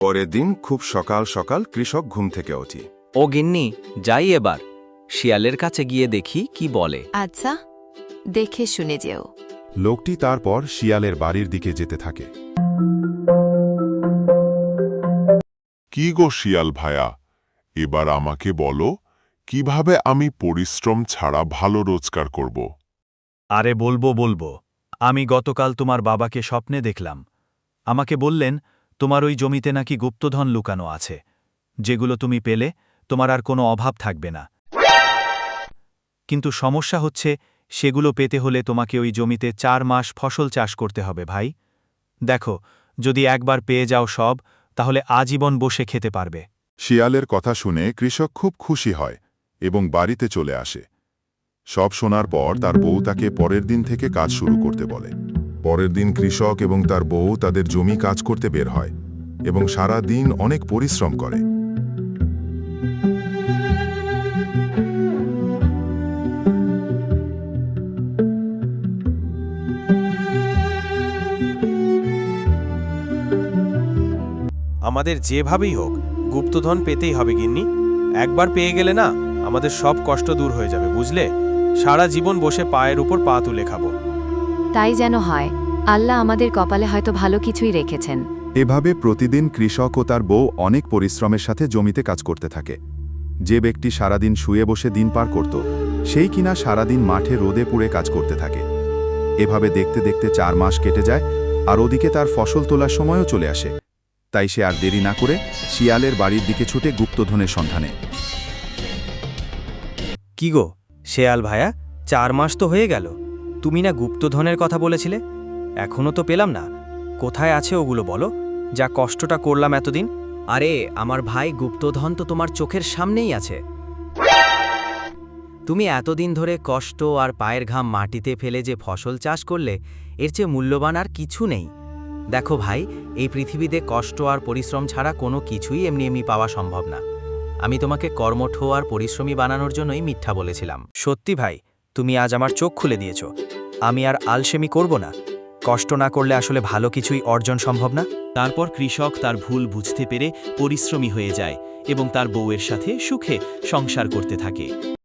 পরের দিন খুব সকাল সকাল কৃষক ঘুম থেকে ওঠে। ও গিন্নি, যাই এবার শিয়ালের কাছে গিয়ে দেখি কি বলে। আচ্ছা, দেখে শুনে যেও। লোকটি তারপর শিয়ালের বাড়ির দিকে যেতে থাকে। কি গো শিয়াল ভায়া, এবার আমাকে বলো কিভাবে আমি পরিশ্রম ছাড়া ভালো রোজগার করব। আরে বলবো। আমি গতকাল তোমার বাবাকে স্বপ্নে দেখলাম। আমাকে বললেন তোমার ওই জমিতে নাকি গুপ্তধন লুকানো আছে, যেগুলো তুমি পেলে তোমার আর কোনো অভাব থাকবে না। কিন্তু সমস্যা হচ্ছে, সেগুলো পেতে হলে তোমাকে ওই জমিতে 4 মাস ফসল চাষ করতে হবে ভাই। দেখো, যদি একবার পেয়ে যাও সব, তাহলে আজীবন বসে খেতে পারবে। শিয়ালের কথা শুনে কৃষক খুব খুশি হয় এবং বাড়িতে চলে আসে। সব শোনার পর তার বউ তাকে পরের দিন থেকে কাজ শুরু করতে বলে। পরের দিন কৃষক এবং তার বউ তাদের জমি কাজ করতে বের হয় এবং সারা দিন অনেক পরিশ্রম করে। আমাদের যেভাবেই হোক গুপ্তধন পেতেই হবে গিন্নি। একবার পেয়ে গেলে না, আমাদের সব কষ্ট দূর হয়ে যাবে, বুঝলে? সারা জীবন বসে পায়ের উপর পা তুলে খাবো। তাই যেন হয়। আল্লাহ আমাদের কপালে হয়তো ভালো কিছুই রেখেছেন। এভাবে প্রতিদিন কৃষক ও তার বউ অনেক পরিশ্রমের সাথে জমিতে কাজ করতে থাকে। যে ব্যক্তি সারাদিন শুয়ে বসে দিন পার করত, সেই কিনা সারাদিন মাঠে রোদে পুড়ে কাজ করতে থাকে। এভাবে দেখতে দেখতে 4 মাস কেটে যায়, আর ওদিকে তার ফসল তোলার সময়ও চলে আসে। তাই সে আর দেরি না করে শিয়ালের বাড়ির দিকে ছুটে গুপ্তধনের সন্ধানে। কি গো শেয়াল ভায়া, 4 মাস তো হয়ে গেল, তুমি না গুপ্তধনের কথা বলেছিলে? এখনো তো পেলাম না। কোথায় আছে ওগুলো বলো, যা কষ্টটা করলাম এতদিন। আরে আমার ভাই, গুপ্তধন তো তোমার চোখের সামনেই আছে। তুমি এতদিন ধরে কষ্ট আর পায়ের ঘাম মাটিতে ফেলে যে ফসল চাষ করলে, এর চেয়ে মূল্যবান আর কিছু নেই। দেখো ভাই, এই পৃথিবীতে কষ্ট আর পরিশ্রম ছাড়া কোনো কিছুই এমনি এমনি পাওয়া সম্ভব না। আমি তোমাকে কর্মঠ আর পরিশ্রমী বানানোর জন্যই মিথ্যা বলেছিলাম। সত্যি ভাই, তুমি আজ আমার চোখ খুলে দিয়েছ। আমি আর আলসেমি করব না। কষ্ট না করলে আসলে ভালো কিছুই অর্জন সম্ভব না। তারপর কৃষক তার ভুল বুঝতে পেরে পরিশ্রমী হয়ে যায় এবং তার বউয়ের সাথে সুখে সংসার করতে থাকে।